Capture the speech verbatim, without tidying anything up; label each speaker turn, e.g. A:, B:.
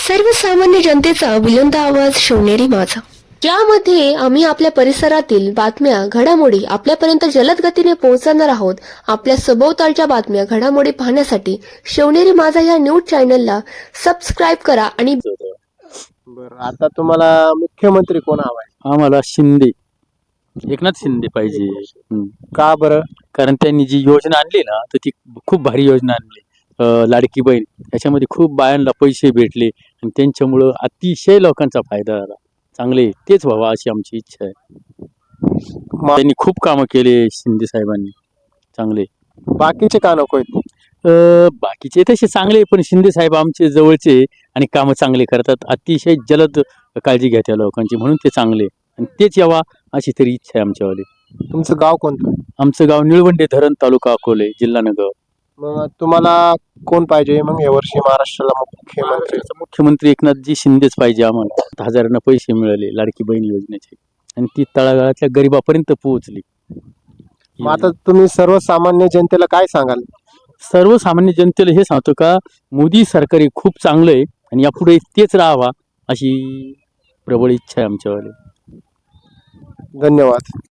A: सर्वसामान्य जनतेचा बुलंद आवाज शिवनेरी माझा, ज्यामध्ये आम्ही आपल्या परिसरातील बातम्या घडामोडी आपल्यापर्यंत जलद गतीने पोहोचवणार आहोत. आपल्या सभोवतालच्या बातम्या घडामोडी पाहण्यासाठी शिवनेरी माझा या न्यूज चॅनलला सबस्क्राईब करा. आणि
B: बरं, आता तुम्हाला मुख्यमंत्री कोण हवाय?
C: आम्हाला शिंदे, एकनाथ शिंदे पाहिजे. हम्म.
B: का बरं?
C: कारण त्यांनी जी योजना आणली ना तर ती खूप भारी योजना आणली. अं, लाडकी बहीण त्याच्यामध्ये खूप बायांना पैसे भेटले आणि त्यांच्यामुळं अतिशय लोकांचा फायदा झाला. चांगले तेच व्हावं अशी आमची इच्छा आहे.
B: मा-
C: त्यांनी खूप कामं केले शिंदे साहेबांनी चांगले.
B: बाकीचे का नको आहेत?
C: अं, बाकीचे तसे चांगले पण शिंदे साहेब आमचे जवळचे आणि कामं चांगले करतात. अतिशय जलद काळजी घेतात या लोकांची, म्हणून ते चांगले आणि तेच यावा अशी तरी इच्छा आहे आमच्यावाली.
B: तुमचं गाव कोणतं?
C: आमचं गाव निळवंडे धरण, तालुका अकोले, जिल्हा नगर.
B: मग तुम्हाला कोण पाहिजे मग यावर्षी महाराष्ट्राला मुख्यमंत्री?
C: मुख्यमंत्री एकनाथजी शिंदेच पाहिजे आम्हाला. दहा हजारांना पैसे मिळाले लाडकी बहीण योजनेचे आणि ती तळागाळातल्या गरिबापर्यंत पोहोचली.
B: मग आता तुम्ही सर्वसामान्य जनतेला काय सांगाल?
C: सर्वसामान्य जनतेला हे सांगतो का मोदी सरकार हे खूप चांगलं आहे आणि यापुढे तेच राहावा अशी प्रबळ इच्छा आहे आमच्यावाली.
B: धन्यवाद.